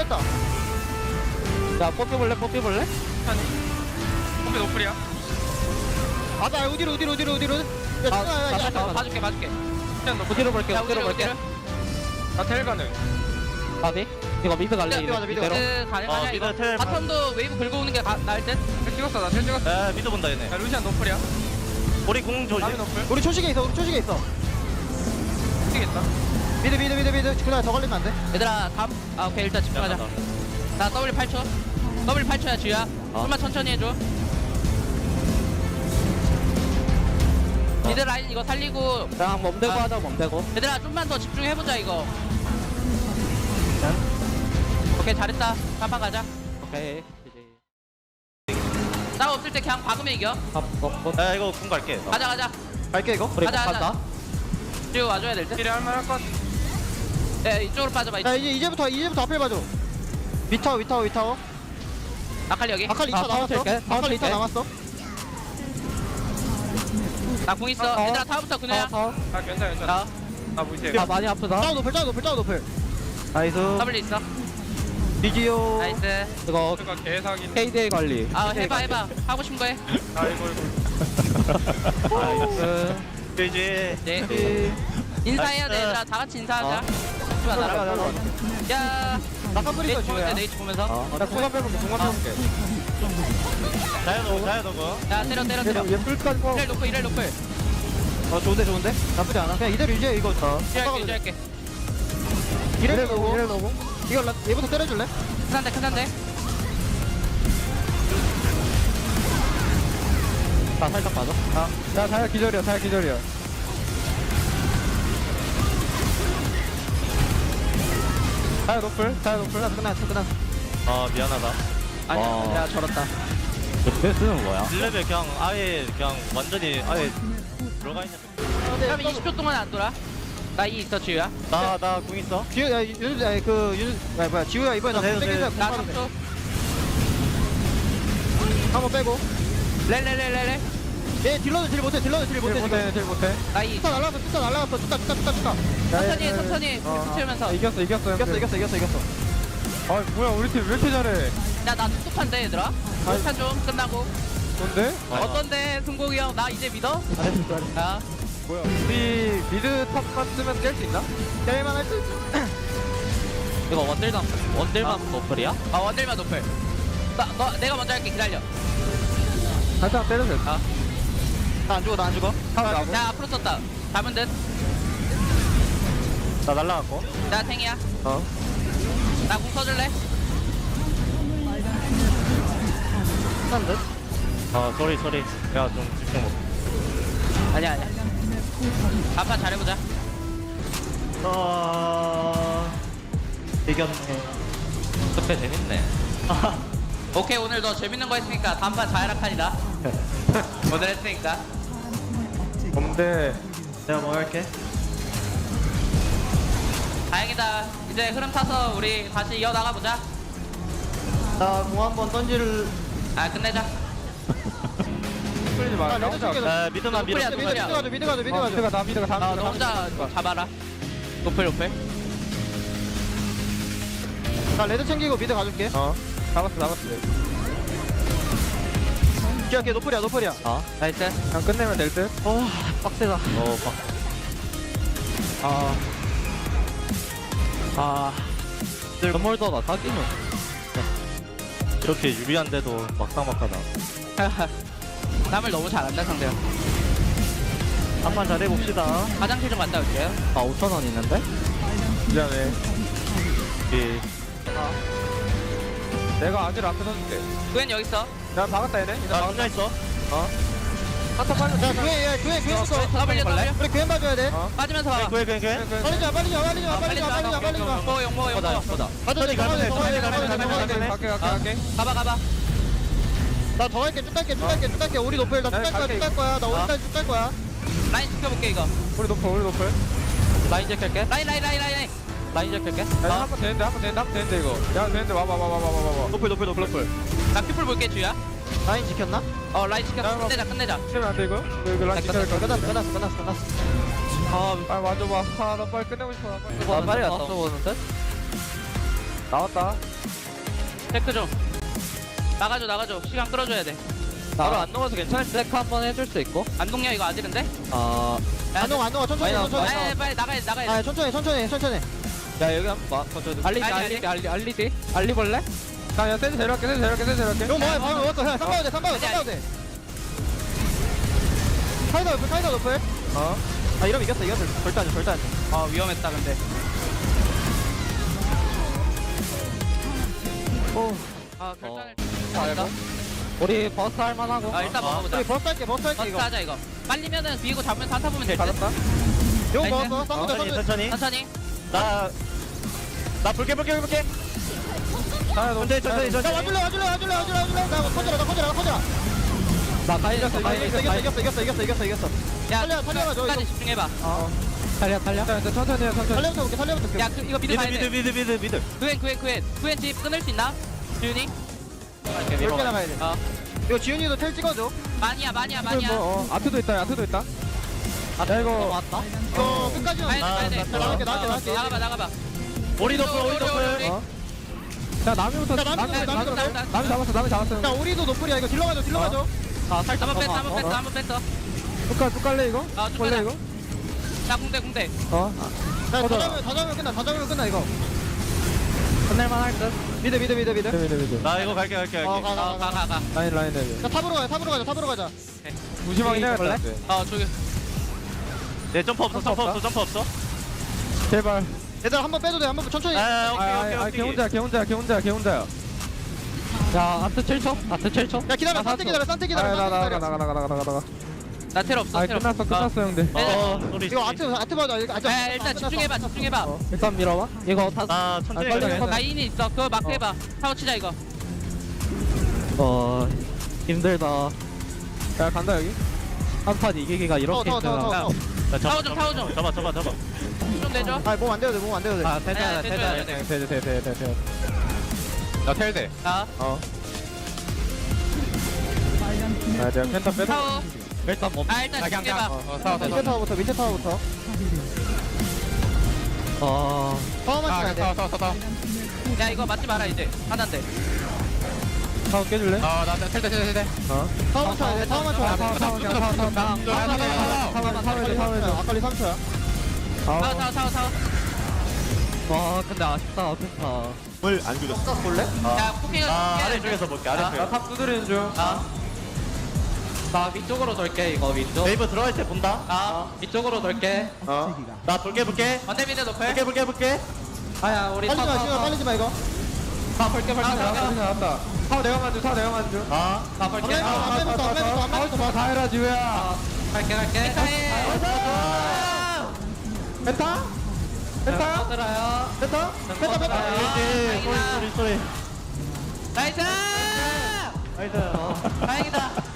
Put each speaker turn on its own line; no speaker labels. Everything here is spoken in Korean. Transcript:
뺐다.
야 뽑혀볼래? 뽑혀볼래?
아니 콤비 노플이야.
나 어디로. 야,
나
봐줄게.
그냥 노플.
어디로 볼게?
야,
어디로
어디로,
볼게?
나 텔 가능.
어디? 이거 미드 갈래?
미드 가자, 미드
이대로?
그 가능하냐 이거?
미드 텔.
바텀도 웨이브 긁어 오는 게 나을 듯?
텔 찍었어. 나 텔 찍었어.
야 미드 본다 얘네.
야 루시안 노플이야.
우리 공 조심.
남이 노플.
우리 초식에 있어.
뛰겠다.
미드. 그날 더 걸리면 안 돼.
얘들아 다음 오케이 일단 집중하자. 나 W 8초. W 8초야 주야. 좀만 천천히 해줘. 미드 라인 이거 살리고
그냥 멈대고 하자 멈대고.
얘들아 좀만 더 집중해보자 이거. 오케이 잘했다. 한판 가자.
오케이.
나 없을 때 그냥 박으면 이겨.
야 이거 공 갈게.
가자.
갈게 이거.
우리
가자.
간다.
지금 와줘야 될 듯.
딜이 할만할 것 같아.
야 이쪽으로 빠져봐.
야 이제부터 앞에 봐줘. 위타워.
아칼리 여기.
아칼리 2차
아,
남았어.
칠게.
아칼리 2차
칠게.
남았어.
나 공 있어. 얘들아 다음부터 그네야.
아 괜찮아.
나
나 무시해.
아 많이 아프다.
짜오 노플. 나이스.
W 있어.
디지오.
나이스.
이거
누가 개사기.
KDA 관리.
해봐. 하고 싶은 거 해.
아이고.
나이스.
그지.
네. 인사해야 돼 얘들아. 다 같이 인사하자. 하지마 나랑. 야.
나카프리가
네이트 보면서
지우야.
네이트 보면서.
나 공간 빼볼게.
자연 너거.
야 때려.
얘 풀까지 뽑아.
이럴 노플.
좋은데? 나쁘지 않아. 그냥 이대로 이제 이거
유지할게.
이래 넣고. 이거 얘부터 때려줄래?
큰한데.
나 살짝 빠져.
야 자야 기절이야. 자야 노플. 끝났어.
아 미안하다.
아니야. 야 저렇다.
베스는 뭐야?
1레벨 그냥 아예 그냥 완전히 아예 들어가 있는.
그럼 20초 동안 안 돌아. 나 이 있어 지우야.
나공 있어.
지우 지우야 이번에 나
네,
땡기자.
나 3초.
한번 빼고.
렐.
얘 딜러도 딜 못해.
나 이.
뚜까 날라갔어. 뚜까.
천천히 채우면서.
이겼어. 아 뭐야 우리 팀 왜 이렇게 잘해?
야나 뚝뚝한데 얘들아. 뚝뚝한 좀 끝나고.
뭔데?
어떤데 승국이 형 나 이제 믿어?
잘했어.
야.
뭐야? 우리 미드 탑만 쓰면 깰 수 있나? 깰만 할 수 있어.
이거 원딜만 노플이야?
원딜만 노플. 내가 먼저 할게 기다려.
살짝 때려도 돼. 나안 죽어.
야 앞으로 썼다. 잡은 듯.
나 날라갔고.
나 탱이야. 나 공 써줄래?
한 듯.
소리. 야 좀 집중 못.
아니야. 한판 잘해보자.
이겼네.
그때 재밌네.
오케이 오늘 너 재밌는 거 했으니까 다음판 자야락한이다. 오늘 했으니까.
뭔데?
내가 뭐 할게.
다행이다. 이제 흐름 타서 우리 다시 이어나가보자.
나공 한번 던지를.
끝내자.
끌지 마.
야 미드만 밀어.
노플이야.
미드 가자. 미드가
너 혼자 잡아라. 노플.
나 레드 챙기고 미드 가줄게. 잡았어. 기억해 노플이야.
나이스.
그냥 끝내면 될 듯. 빡세다.
건물도 나 사기는.
이렇게 유리한데도 막상막하다.
땀을 너무 잘한다 상대야.
한판 잘해봅시다.
화장실 좀 갔다 올게요.
5,000원 있는데?
미안해.
예.
내가 아지를 앞에 서줄게.
구현 여기 있어.
나 박았다 얘네.
나 혼자 있어.
한타 빨리. 야 구해부터.
W.
우리 구해 봐줘야 돼.
빠지면서 봐.
그래.
빨리 가. 빨리 가.
용모.
가도 돼.
가네.
갈게.
가봐.
나 더 할게. 쭉 갈게. 우리 노플. 나쭉갈 거야. 나 오늘까지 쭉 갈 거야.
라인 지켜볼게 이거.
우리 노플.
라인 제킬게.
라인.
라인 제킬게.
한번 되는데 이거. 야 되는데 와봐.
노플.
나 큐플 볼게 주야.
라인 지켰나?
라인 지켰어. 끝내자.
치면 안 돼 이거? 이거 라인 지켜야 돼. 끝났어.
아,
아 맞아 봐. 나 빨리 끝내고 싶어.
이거 빨리 왔어 보는데? 나왔다.
체크 좀. 나가줘. 시간 끌어줘야 돼.
바로 안 넘어서 괜찮을 때.
체크 한번 해줄 수 있고.
안 녹냐 이거 아질인데?
안 녹아 천천히
많이
천천히
나와.
빨리 나가야 돼.
아 천천히
야 여기 한번 봐. 저도.
알리볼래?
야 세즈 데려갈게
이거 뭐야 방금 먹었어 그냥 쌈바도 돼 카이더 높을 아 이러면 이겼어 절대 안돼
아 위험했다 근데. 아 결단을.
우리 버스 할만하고.
아 일단 먹어보자.
우리 버스 할게
버스
이거
하자 이거. 빨리면은 비고 잡으면서 한타 보면 될 듯.
이거
나이스.
먹었어 쌈보자
천천히.
천천히.
나 볼게. 천천히.
야 와줄래 나 커져라
나 가이졌어.
이겼어
야
살려가지고,
끝까지
이거.
집중해봐.
살려.
천천히
살려부터 볼게
야 이거 미드 가야 돼.
미드.
구엔 집 끊을 수 있나? 지훈이?
이렇게 나가야 돼 이거 지훈이도 텔 찍어줘
많이야.
아트도 있다
야 이거 왔다.
이거 끝까지는
가야 돼.
나갈게
나가봐.
오리 도플.
자 남이부터
남이
잡았어
야 우리도 노플이야 이거 딜러 가줘
한번 뺐어.
쭉 갈래 이거?
쭉
볼래
가자.
이거?
자 궁대.
다 잡으면 끝나 이거
끝낼만 할 듯.
미드
나 이거 갈게.
가.
라인 내려
자 탑으로 가자
무심하게 해야겠다
저기.
내 점프 없어.
제발
얘들아 한번 빼도 돼 한번 천천히
오케이.
걔 혼자야
야 아트 7초.
야 기다려 산테 기다려
나가
나 텔 없어.
끝났어 형들
소리.
이거 아트 봐줘
일단 집중해봐.
일단 밀어봐. 이거 다.
나 천천히.
빨리
갈게.
가.
라인이 있어. 그거 마크 해봐. 타워 치자 이거.
힘들다.
야 간다 여기
한 판 이기기가 이렇게 힘들다.
더
나
타워 좀.
잡아.
좀 내줘.
아몸 안 돼도 돼
아
네,
대단.
돼. 나 텔대
자
아 내가 펜타 빼서
타워.
일단 뭐.
일단 집중해봐.
밑에 타워부터 타워만 쳐야 돼
야 이거 맞지 마라 이제. 하나인데.
타워 깨줄래?
아나 텔대.
타워만 쳐야 돼 타워만 쳐야 돼 아까리 3초야
타워.
와 근데 아쉽다 펜타.
물안 죽였어.
볼래?
야 포킹을.
아래쪽에서 볼게. 아래쪽.
나탑 두드리는 중
나 위쪽으로 돌게 이거 위쪽.
네이버 들어갈 때 본다.
위쪽으로 돌게.
나 볼게.
언데미드 높을.
볼게.
아야 우리
빨리지 마 지금 빨리지 마 이거
다 볼게.
나왔다 타워 내가 만져
나 볼게.
앞에부터
다 해라 지우야
갈게.
펜타?
들어요.
뺐다
소리.
나이스.
나이스.
다행이다.